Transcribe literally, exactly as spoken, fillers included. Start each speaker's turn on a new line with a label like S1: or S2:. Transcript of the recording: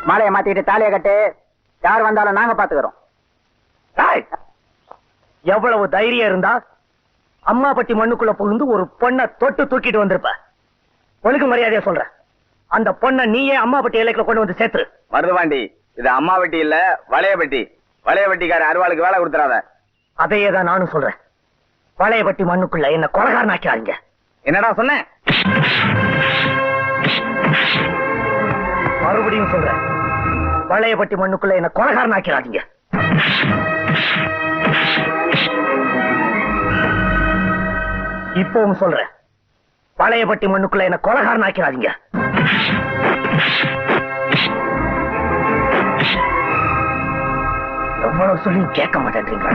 S1: மாலையை மாத்திட்டு தாலியை கட்டு. யார் வந்தாலும் நாங்க பாத்துக்கிறோம்.
S2: எவ்வளவு தைரியம் இருந்தா அம்மாபட்டி மண்ணுக்குள்ள புகுந்து ஒரு பொண்ணை தொட்டு தூக்கிட்டு வந்திருப்ப. ஒழுங்கு மரியாதையா சொல்ற, அந்த பொண்ணை நீயே அம்மாபட்டி எல்லைக்குள்ள கொண்டு வந்து சேர்த்து.
S3: மருதுபாண்டி, இது அம்மாவட்டி இல்ல வளையபட்டி. வளையபட்டிக்கார அருவாளுக்கு வேலை கொடுத்துறாத.
S2: அதையே தான் நானும் சொல்றேன். வளையபட்டி மண்ணுக்குள்ள என்ன கொலகாரன் ஆக்கிறாங்க.
S3: என்னடா சொன்ன?
S2: மறுபடியும் சொல்றேன், வளையபட்டி மண்ணுக்குள்ள என்ன கொலகாரன் ஆக்கிறாங்க. இப்பவும் சொல்றேன், வளையபட்டி மண்ணுக்குள்ள என்ன கொலகாரன் ஆக்கிறாங்க. எவ்வளவு சொல்லி கேட்க மாட்டேன்றீங்களா?